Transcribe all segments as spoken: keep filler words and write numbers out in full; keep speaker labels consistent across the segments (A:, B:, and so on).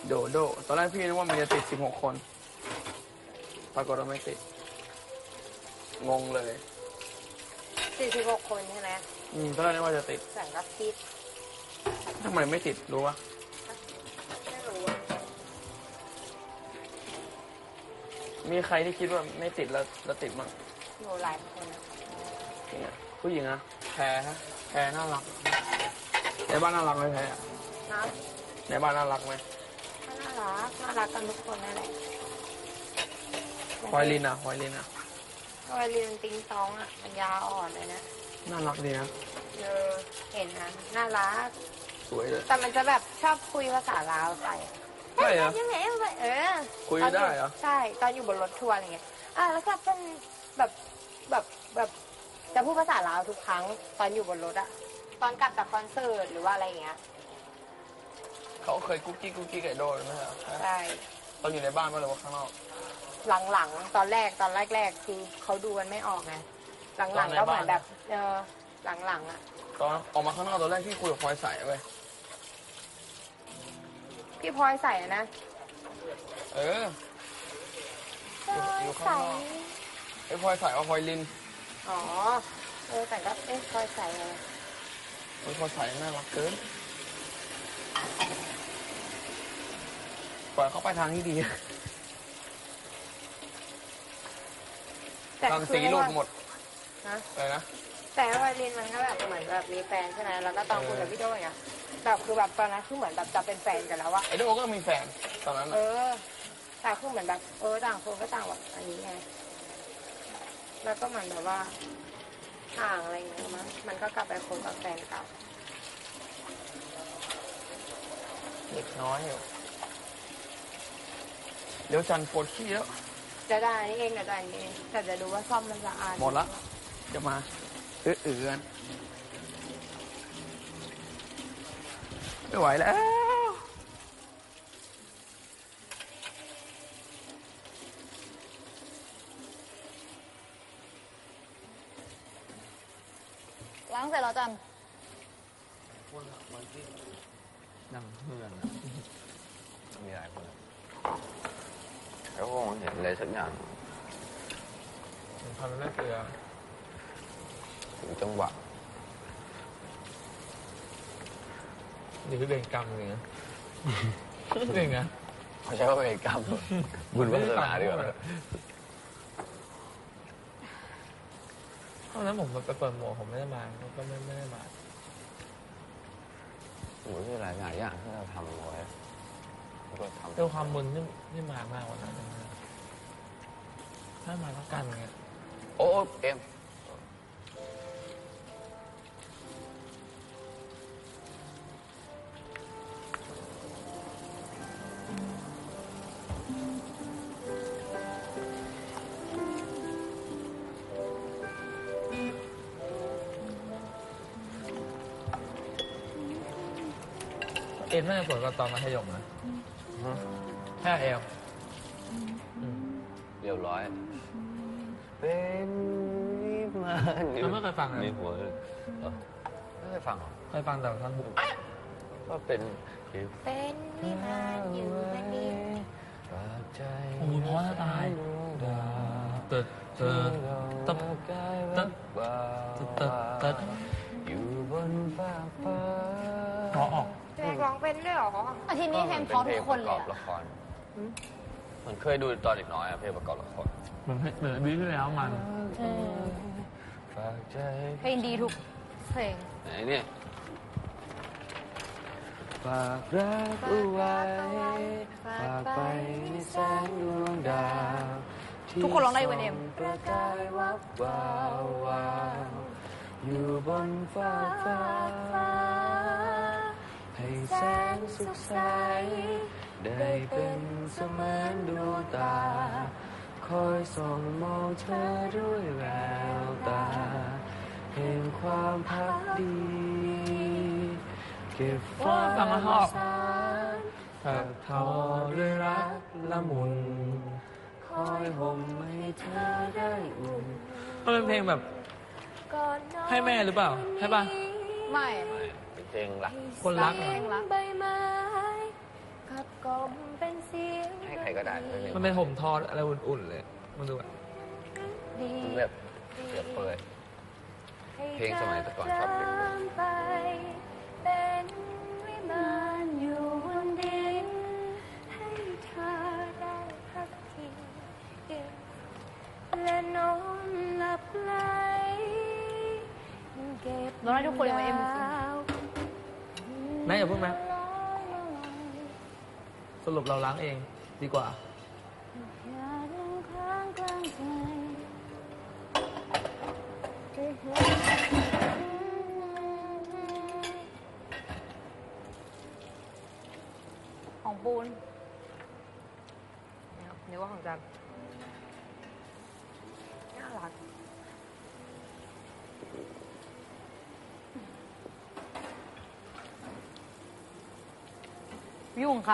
A: โดโดตอนแรกพี่นึกว่ามันจะติดสิบหกคนปรากฏว่าไม่ติดงงเลย
B: สี่สิบหกคนใช่ไหม
A: อืมตอนแรกนึกว่าจะติด
B: แสงก็ติด
A: ทำไมไม่ติดรู้ปะ
B: ไม่รู้
A: มีใครที่คิดว่าไม่ติดแล้วแล้วติดมั้ง
B: หนูหลายคนนะ
A: ผู้หญิงอะแพรฮะแพรน่ารักในบ้านน่ารักไหมแพรนะในบ้านน่ารักไหม
B: น่ารักน่ารักกันทุกคนนั่นแหละ
A: พลอยลินอะพลอยลินอะ
B: พลอยลินติงตองอะปัญญาอ่อนเลยนะ
A: น่ารักดีนะ
B: เออเห็นนะน่ารัก
A: สวยเลย
B: แต่มันจะแบบชอบคุยภาษาลาวใส่
A: ใช่เหรอ
B: ยังไงเออ
A: คุยได้เหรอ
B: ใช่ตอนอยู่บนรถทัวร์อะไรเงี้ยอ่ะแล้วก็เป็นแบบแบบแบบจะพูดภาษาลาวทุกครั้งตอนอยู่บนรถอะตอนกลับจากคอนเสิร์ตหรือว่าอะไรอย่างเงี้ย
A: เขาเคยกุ๊กกิ๊กกุ๊กกิ๊กไก่โดนไหมครับ
B: ใช่
A: ตอนอยู่ในบ้านมั้ยหรือว่าข้างนอก
B: หลังๆตอนแรกตอนแรกๆคือเขาดูกันไม่ออกไงหลังๆก็เหมือนแบบเออหลังๆอะ
A: ตอนออกมาข้างนอกตอนแรกที่คุยกับพลอยใสเว้ย
B: พี่พลอยใส่นะ
A: เอออยู่ข้างนอกไอ้พลอยใสเอาพลอยลิน
B: อ๋อเออแต่ก็เอ๊ะพลอยใสอะไร
A: ไอ้พลอยใสน่ารักเกินปล่อยเขาไปทางที่ดีทางสีหลุดหมด
B: นะ
A: อะไรนะ
B: แต่พลอยลินมันก็แบบเหมือนแบบมีแฟนใช่ไหมแล้วก็ตอนคุยกับพี่โจ้อย่างเงี้ยแบบคือแบบตอนนั้นคือเหมือนแบบจะเป็นแฟนกันแล้วอะ
A: ไอโดก็มีแฟนตอนนั้น
B: เออแต่คือเหมือนแบบเออต่างคนก็ต่างแบบอันนี้ไงแล้วก็เหมือนแบบว่าห่างอะไรอย่างเงี้ยมั้งมันก็กลับไปคบกับแฟนเก่า
A: เด็กน้อยอยู่เดี๋ยวจันปวดขี้แล้ว
B: จะได้นี่เองจะได้นี่เองแต่จะดูว่าซ่อมมันสะอาด
A: หมดละจะมาเอื้อเอื้อนไม่ไหวแล้ว
B: ล้างเสร็จแล้วจัน
C: นั่งเพื่อนมีหลายคนแล้วคงเห็นอะไรสักอย่าง
A: ทำแม่เกลือ
C: ถึงจังหวะ
A: นี่คือเวรกรรมเลยนะเรื่องไง
C: เขาใช้ว่าเวรกรรมบุญวาสนาดีกว่า
A: เพราะนั้นผมไปเปิดหมวกผมไม่ได้มาก็ไม่ไม่ได้มา
C: โอ้ยหลายอย่างอย่างที่เราทำไว้แล้วก็ทำ
A: ด้วยความมึนที่ที่มามากกว่านั้นถ้ามาแล้วกันเงี้ย
C: โอ้เอ็ม
A: เอ็มน่าจะสวยกว่าตอนมัธยมนะแค่เอล
C: เรียบร้อยเป็นนิมาน
A: ไม่เคยฟังเลย
C: ในหัวไม่เคยฟังหรอ
A: เคยฟังแต่ท่อนบุก
C: ก็เป็น
B: เป็นนิมานอยู่ในนี้
A: โอ้ยเพราะจะตายเติร์ดเติร์ดตึ๊บตึ๊บตึ๊บตึ๊บ
C: อยู่บนฟ้าฟ้า
A: เพราะออก
B: เพลงร้องเป็นด้วยหรอ
D: อาทิตย์นี้เพลงเพราะทุกคนเลย
C: ละครเหมือนเคยดูตอนเด็กน้อยอะเพลงประกอบละคร
A: เหมือนเหมือนวิที่แล้วมัน
D: เพลงดีทุกเพลง
C: ไหนเนี่ยฝากรักเอาไว้ฝากไปในแสงดวงดาว
D: ทุกคนร้องได้เว้ยเอ็ม
C: ประกายวับวาววาวอยู่บนฟ้าฟ้าให้แสงสุขใสได้เป็นเสมือนดวงตาคอยส่องมองเธอด้วยแววตาเห็นความพักดีเก็บฟ้าสารถักทอด้วยรักละมุนคอยห่มให้เธอได้อุ่น
A: มันเป็นเพลงแบบให้แม่หรือเปล่าใช่ป่ะ
D: ไม่
C: ไม่เป็นเพลงรัก
A: คนรัก
D: เพลงรัก
B: ใบไม้กับกลมเป็นเสียง
C: ให้ใครก็ได้ไม่เป็น
A: มันเป็นผมทออะไรอุ่นๆเลยมันดูแบบ
B: ดี
C: แบบเสียเปรย เพลงสมัยแต่ก่อนชอบเพลงนี้
B: ไปเป็นวิมานอยู่บนดินให้เธอได้พักพิงและนอนหลับไหลเก็บ
D: เราได้ทุกคนเลยว่าเอ็มจริง
A: แม่อย่าเพิ่งนะสรุปเราล้างเองดีกว่า
B: อย่าลงค้างกลางใจ
D: ของปูน
B: นึกว่าของจันน่ารัก
D: ยุ่งเขา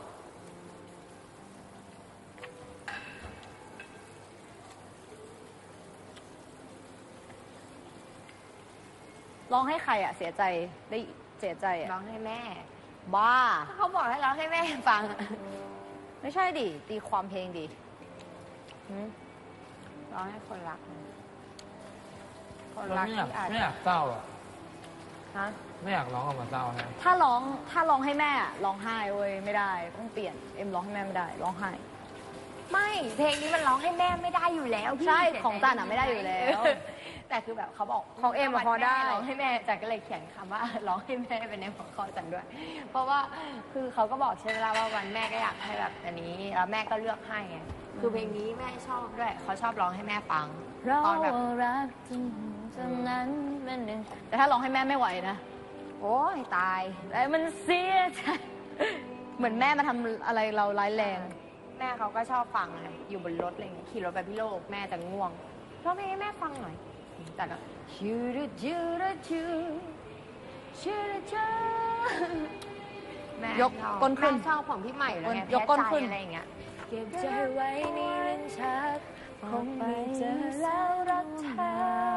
D: ร้องให้ใครอ่ะ เสียใจได้เสียใจ
B: ร้
D: อ่ะ
B: องให้แม่
D: บ้า
B: เขาบอกให้ร้องให้แม่ฟัง
D: ไม่ใช่ดิ ตีความเพลงดิ
B: ร้องให้คนรัก คน
A: เรา
B: รัก
A: ไม่อยาก
B: ที่อาจ
A: ไม่อยากเศร้าอ่ะ
B: ฮะ
A: ไม่อยากร้องออกมาเศร้าฮะ
D: ถ้าร้องถ้าร้องให้แม่อะร้องไห้เว้ยไม่ได้ต้องเปลี่ยนเอ็มร้องให้แม่ไม่ได้ร้องไห้
B: ไม่เพลงนี้มันร้องให้แม่ไม่ได้อยู่แล้วพี่
D: ใช่ของจันอะไม่ได้อยู่แล้ว
B: แต่คือแบบเขาบอก
D: ของเอ็มอะพอได้
B: ร้องให้แม่จันก็เลยเขียนคำว่า ร้องให้แม่เป็นในหัวข้อจันด้วย เพราะว่าคือเขาก็บอกใช่ไหมล่ะว่าวันแม่ก็อยากให้แบบอันนี้แล้วแม่ก็เลือกให้ไงคือเพลงนี้แม่ชอบด้วยเขาชอบร้องให้แม่ฟัง
D: เรา
B: ตอนแบบ
D: รักจริงจำนั้นเป็นหนึ่งแต่ถ้าร้องให้แม่ไม่ไหวนะ
B: โอ้ยตาย
D: แต่มันเสียใจเหมือนแม่มาทำอะไรเราร้ายแรง
B: แม่เขาก็ชอบฟังไงอยู่บนรถอะไรเงี้ยขี่รถไปพี่โลกแม่จะง่วงร้องเพลงให้แม่ฟังหน่อยแต่ก็ชูดจูดจูชูดจูแม่
D: ยก
B: ชอบ
D: ก้นขึ้น
B: แม่ชอบของพี่ใหม่แล้วไง
D: ยกก้น
B: แพ้ใจ
D: ขึ้น
B: อะไรอย่างเงี้ยเก็บใจไว้ในลิ้นชักคงไม่เจอแล้วรักเธอ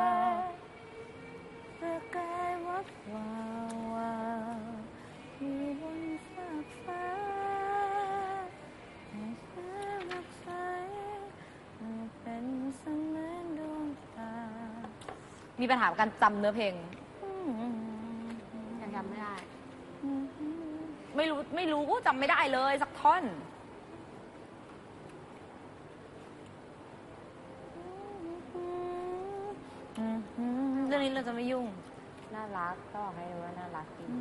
B: ประกายวับวาววาวอยู่บนฟากฟ้าให้เธอรักใสเป็นเสมือนดวงตา
D: มีปัญหากับการจำเนื้อเพลง
B: ยังจำไม่ได้
D: ไม่รู้ไม่รู้จำไม่ได้เลยสักท่อนเรื่องนี้เราจะไม่ยุ่ง
B: น่ารักก็บอกให้รู้ว่าน่ารักดี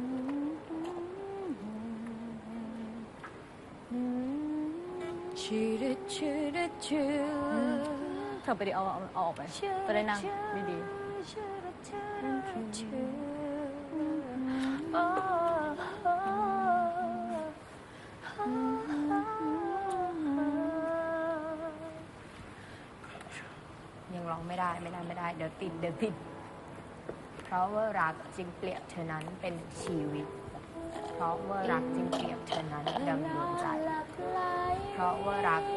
B: ชื่อชื่อชื่อ
D: เธอไปดิเอาเอาเอาออกไปจะได้นั่งดี
B: ยังร้องไม่ได้ไม่ได้ไม่ได้เดี๋ยวติดเดี๋ยวติด เพราะว่ารักจึงเปรียบเธอนั้นเป็นชีวิต เพราะว่ารักจึงเปรียบเธอนั้นดังดวงใจ เพราะว่ารัก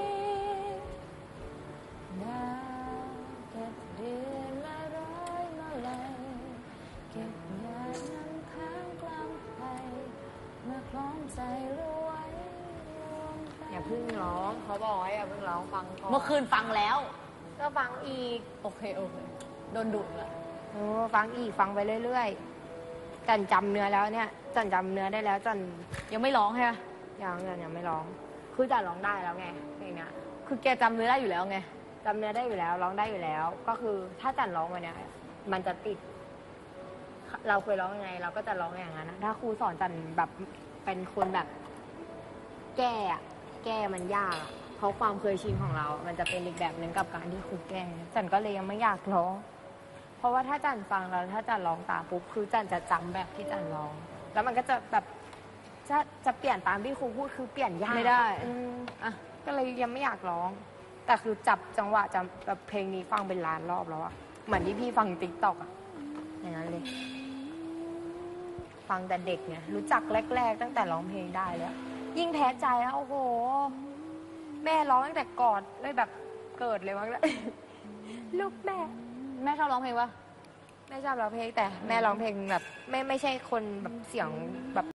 D: เก็บเดือนมาร้อยมาเลยเก็บงานน้ำค้างกลางไปเมื่อพร้อมใจรู้ไว้
B: อย่าเพิ่งร้องเขาบอกว่าอย่าเพิ่งร้องฟังก่อน
D: เมื่อคืนฟังแล้ว
B: ก็ฟังอีก
D: โอเค โอเค โดนดุละ
B: โอ้ฟังอีกฟังไปเรื่อยๆจันจำเนื้อแล้วเนี่ยจันจำเนื้อได้แล้วจัน
D: ยังไม่ร้องใช่ไหม
B: ยังจันยังไม่ร้อง คือจันร้องได้แล้วไงเพลงเนี้ย
D: คือแกจำเนื้อได้อยู่แล้วไง
B: จำเนื้อได้อยู่แล้วร้องได้อยู่แล้ว ก็คือถ้าจันร้องมาเนี่ยมันจะติด เราเคยร้องยังไง เราก็จะร้องอย่างนั้นนะถ้าครูสอนจันแบบเป็นคนแบบ แก้อะแก้มันยากอะเพราะความเคยชินของเรา มันจะเป็นอีกแบบหนึ่งกับการที่ครูแก้จันก็เลยยังไม่อยากร้อง เพราะว่าถ้าจันฟังแล้วถ้าจันร้องตามปุ๊บคือจันจะจำแบบที่จันร้อง แล้วมันก็จะแบบจะจะเปลี่ยนตามที่ครูพูดคือเปลี่ยนยาก
D: ไม่ได้
B: อืม
D: อ่ะ
B: ก็เลยยังไม่อยากร้อง แต่คือจับจังหวะจำแบบเพลงนี้ฟังเป็นล้านรอบแล้วอะเหมือนที่พี่ฟังติ๊กต็อกอะอย่างนั้นเลย ฟังแต่เด็กไงรู้จักแรก ๆ ตั้งแต่ร้องเพลงได้แล้ว ยิ่งแพ้ใจแล้วโอ้โห แม่ร้องตั้งแต่กอดเลยแบบเกิดเลยมั้งแล้ว ลูกแม่
D: แม่ชอบร้องเพลงปะ
B: แม่ชอบร้องเพลงแต่แม่ร้องเพลงแบบไม่ไม่ใช่คนแบบเสียงแบบ